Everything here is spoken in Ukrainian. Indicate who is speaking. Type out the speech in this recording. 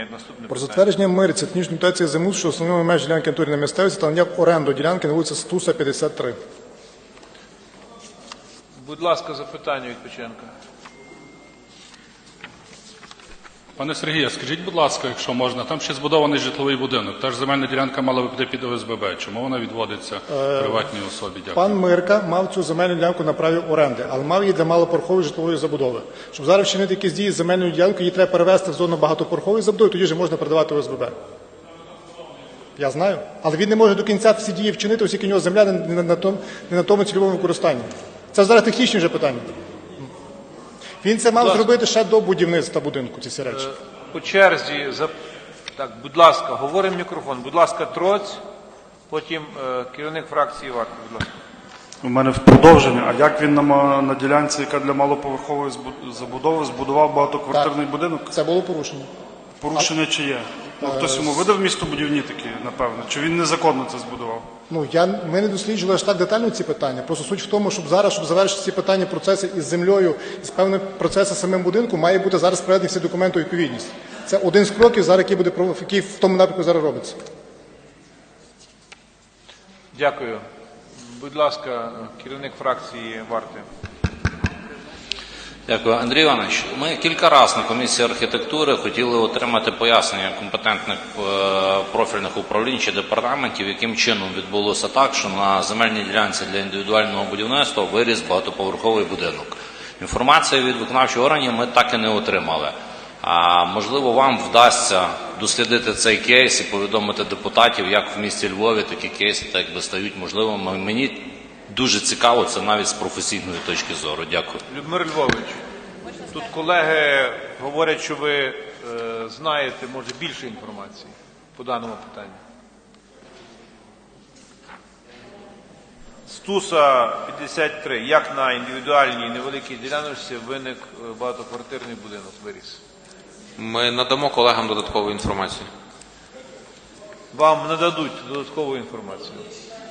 Speaker 1: Про затвердження мирі технічної дотації землі, що основними меж ділянки натурної місцевості та надання в оренду ділянки на вулиці Стуса, 53.
Speaker 2: Будь ласка, запитання від Печенка.
Speaker 3: Пане Сергію, скажіть, будь ласка, якщо можна, там ще збудований житловий будинок. Та ж земельна ділянка мала би піти під ОСББ. Чому вона відводиться приватній особі? Дякую.
Speaker 1: Пан Мирка мав цю земельну ділянку на праві оренди, але мав її для малопорохової житлової забудови. Щоб зараз вчинити якісь дії з земельною ділянкою, її треба перевести в зону багатопорохової забудови, тоді вже можна передавати ОСББ. Я знаю. Але він не може до кінця всі дії вчинити, оскільки у нього земля не на тому цільовому використанні. Це зараз технічні вже питання. Він це мав зробити ще до будівництва будинку, ці всі речі.
Speaker 2: По черзі, так, будь ласка, говоримо в мікрофон. Будь ласка, Троць, потім керівник фракції Варта, будь ласка.
Speaker 4: У мене в продовження. А як він на ділянці, яка для малоповерхової забудови, збудував багатоквартирний будинок?
Speaker 1: Це було порушення.
Speaker 4: Порушення чи є? Ну, хтось йому видав містобудівні такі, напевно? Чи він незаконно це збудував?
Speaker 1: Ну, ми не досліджували аж так детально ці питання. Просто суть в тому, щоб завершити ці питання, процеси із землею, із певними процесами самим будинку, має бути зараз приведені всі документи у відповідність. Це один з кроків, зараз, який в тому напрямку зараз робиться.
Speaker 2: Дякую. Будь ласка, керівник фракції Варти.
Speaker 5: Дякую. Андрій Іванович, ми кілька разів на комісії архітектури хотіли отримати пояснення компетентних профільних управлінь чи департаментів, яким чином відбулося так, що на земельній ділянці для індивідуального будівництва виріс багатоповерховий будинок. Інформацію від виконавчих органів ми так і не отримали. А можливо, вам вдасться дослідити цей кейс і повідомити депутатів, як в місті Львові такі кейси так якби стають можливими. Мені дуже цікаво, це навіть з професійної точки зору. Дякую.
Speaker 2: Людмир Львович, тут колеги говорять, що ви знаєте, може, більше інформації по даному питанню. Стуса 53. Як на індивідуальній невеликій діляночці виник багатоквартирний будинок, виріс?
Speaker 6: Ми надамо колегам додаткову інформацію.
Speaker 2: Вам нададуть додаткову інформацію.